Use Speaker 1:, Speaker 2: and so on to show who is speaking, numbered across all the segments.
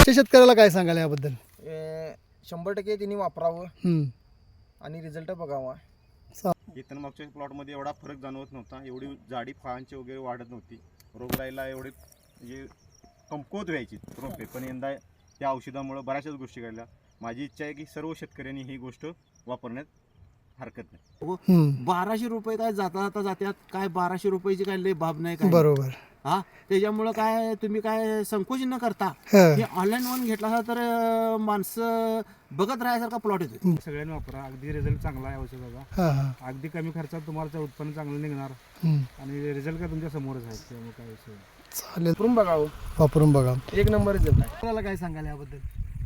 Speaker 1: शेतकऱ्याला काय सांगाल याबद्दल?
Speaker 2: 100% त्यांनी वापरावं आणि रिझल्ट बघावा.
Speaker 3: इथं मागच्या प्लॉटमध्ये एवढा फरक जाणवत नव्हता, एवढी जाडी फळांची वगैरे वाढत नव्हती, रोगराईला एवढे म्हणजे कमकुवत व्हायची रोपे. पण यंदा या औषधामुळे बऱ्याचशाच गोष्टी घडल्या. माझी इच्छा आहे की सर्व शेतकऱ्यांनी ही गोष्ट वापरण्यात हरकत नाही.
Speaker 4: 1200 रुपये काय जाता जात्यात, काय 1200 रुपयाची काय लय बाब नाही काय.
Speaker 1: बरोबर.
Speaker 4: हा, त्याच्यामुळं काय तुम्ही काय संकोच न करता
Speaker 1: हं.
Speaker 4: हे ऑनलाईन वन घेतला असता तर माणसं बघत राहायसारखा प्लॉट येतो.
Speaker 5: सगळ्यांनी वापरा, अगदी रिझल्ट चांगला आहे औषधाचा.
Speaker 1: हां हां.
Speaker 5: अगदी कमी खर्चात तुम्हाला उत्पन्न चांगलं निघणार आणि रिझल्ट काय तुमच्या समोरच आहे, त्यामुळे काय विषय नाही.
Speaker 1: चालेल,
Speaker 2: वापरून बघावं,
Speaker 1: वापरून बघा.
Speaker 2: 1 नंबर रिझल्ट आहे.
Speaker 1: आपल्याला काय सांगाल याबद्दल?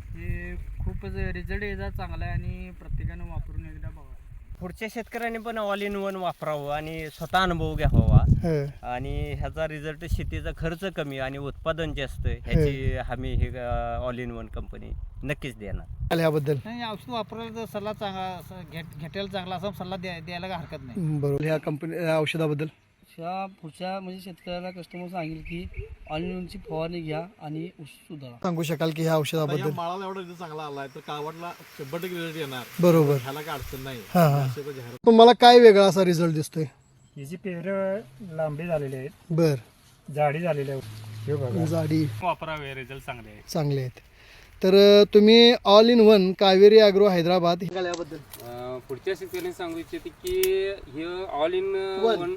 Speaker 6: हे खूपच रिझल्ट याचा चांगला आहे आणि प्रत्येकानं वापरून एकदा बघा. पुढच्या शेतकऱ्यांनी पण ऑल इन वन वापरावं आणि स्वतः अनुभव घ्यावा.
Speaker 1: हं.
Speaker 6: आणि ह्याचा रिझल्ट शेतीचा खर्च कमी आणि उत्पादन जास्त, ह्याची हमी हे ऑल इन वन कंपनी नक्कीच देणार.
Speaker 1: याबद्दल
Speaker 7: नाही, औषध वापरायला तर सल्ला चांगला घेटायला चांगला असा सल्ला द्यायला काय हरकत नाही.
Speaker 1: बरोबर. ह्या कंपनी औषधाबद्दल
Speaker 7: पुढच्या म्हणजे शेतकऱ्याला कस्टमर सांगेल की ऑनलाईनची फवारणी घ्या आणि सुधारा.
Speaker 1: सांगू शकाल की ह्या औषधाबद्दल?
Speaker 8: माळाला एवढा रिझल्ट चांगला आलाय तर कावडला 100% रिझल्ट येणार.
Speaker 1: बरोबर.
Speaker 8: ह्याला काय अडचण नाही.
Speaker 1: हां हां. तुम्हाला काय वेगळा असा रिझल्ट दिसतोय?
Speaker 5: हिची पेरं लांबी झालेली आहेत,
Speaker 1: बर.
Speaker 5: जाडी झालेली आहे. हे बघा,
Speaker 1: जाडी
Speaker 5: वापरावे, रिझल्ट चांगले आहे.
Speaker 1: चांगले आहेत. तर तुम्ही all in one Kaveri agro Hyderabad याबद्दल
Speaker 9: पुढच्या शेतकऱ्यांनी सांगू इच्छिते की हे ऑल इन वन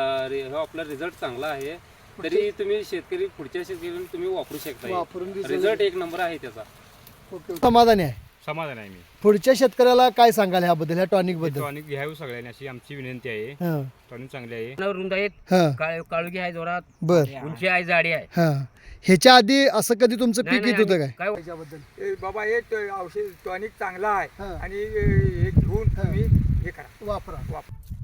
Speaker 9: आपला रिझल्ट चांगला आहे, तरी तुम्ही शेतकरी पुढच्या शेतकऱ्यांनी तुम्ही वापरू शकता. रिझल्ट 1 नंबर आहे त्याचा.
Speaker 1: समाधानी आहे?
Speaker 5: समाधान आहे मी.
Speaker 1: पुढच्या शेतकऱ्याला काय सांगाल ह्याबद्दल, ह्या टॉनिक बद्दल?
Speaker 5: टॉनिक घ्यावी सगळ्यांनी अशी आमची विनंती आहे.
Speaker 1: हां
Speaker 5: टॉनिक चांगली आहे.
Speaker 6: रुंद आहेत,
Speaker 1: हां.
Speaker 6: काळुगी आहे, जोरात
Speaker 1: बर.
Speaker 6: उंची आहे, जाडी आहे.
Speaker 1: हां. ह्याच्या आधी असं कधी तुमचं पीक येत होतं काय?
Speaker 6: काय
Speaker 2: बाबा हे औषध टॉनिक चांगला आहे
Speaker 1: हां.
Speaker 2: आणि हे घेऊन तुम्ही हे करा,
Speaker 1: वापरा.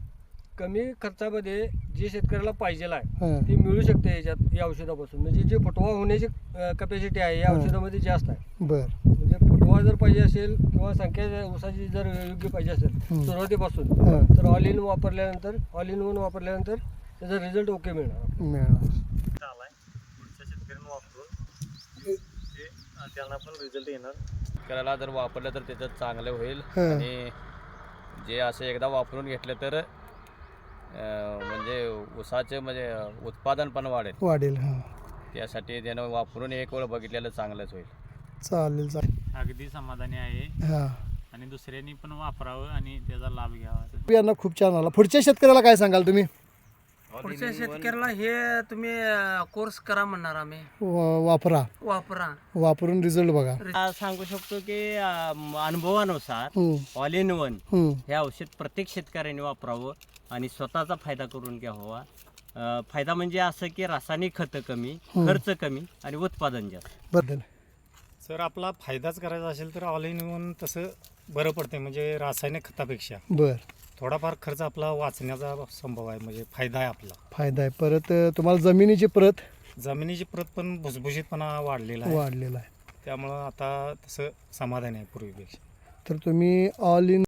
Speaker 7: कमी खर्चामध्ये जे शेतकऱ्याला पाहिजे आहे
Speaker 1: हां.
Speaker 7: ते मिळू शकते याच्यात, या औषधापासून. म्हणजे जे फुटवा होण्याची कॅपॅसिटी आहे या औषधामध्ये जास्त आहे.
Speaker 1: बर.
Speaker 7: म्हणजे फुटवा जर पाहिजे असेल किंवा संख्या ऊसाची जर योग्य पाहिजे असेल सुरुवातीपासून,
Speaker 1: हां.
Speaker 7: तर ऑल इन वापरल्यानंतर, ऑल इन वन वापरल्यानंतर त्याचा रिझल्ट ओके मिळणार.
Speaker 3: पुढच्या शेतकऱ्यांनी वापरून त्यांना पण रिझल्ट येणार.
Speaker 6: शेतकऱ्याला जर वापरलं तर त्याचं चांगलं होईल.
Speaker 1: हां.
Speaker 6: आणि जे असं एकदा वापरून घेतलं तर म्हणजे ऊसाचे म्हणजे उत्पादन पण
Speaker 1: वाढेल. हां.
Speaker 6: त्यासाठी त्यानं वापरून एक वेळ बघितलेलं चांगलंच होईल.
Speaker 1: चालेल चालेल.
Speaker 5: अगदी समाधानी आहे
Speaker 1: हां.
Speaker 5: आणि दुसऱ्यांनी पण वापरावं आणि त्याचा लाभ घ्यावा.
Speaker 1: यांना खूप छान आला. पुढच्या शेतकऱ्याला काय सांगाल तुम्ही?
Speaker 4: पुढच्या शेतकऱ्याला हे तुम्ही कोर्स करा म्हणणार आम्ही.
Speaker 1: वापरा,
Speaker 4: वापरा,
Speaker 1: वापरून रिझल्ट बघा.
Speaker 6: सांगू शकतो की अनुभवानुसार ऑल इन वन हे औषध प्रत्येक शेतकऱ्याने वापरावं आणि स्वतःचा फायदा करून घ्यावा. फायदा म्हणजे असं की रासायनिक खतं कमी, खर्च कमी आणि उत्पादन जास्त.
Speaker 1: बद्दल
Speaker 5: जर आपला फायदाच करायचा असेल तर ऑल इन वन तसं बरं पडते, म्हणजे रासायनिक खतापेक्षा
Speaker 1: बर.
Speaker 5: थोडाफार खर्च आपला वाचण्याचा संभव आहे, म्हणजे फायदा आहे आपला.
Speaker 1: फायदा आहे. परत तुम्हाला जमिनीची प्रत,
Speaker 5: जमिनीची प्रत पण भुसभुशीतपणा वाढलेला आहे,
Speaker 1: वाढलेला आहे.
Speaker 5: त्यामुळं आता तसं समाधान आहे पूर्वीपेक्षा.
Speaker 1: तर तुम्ही ऑल इन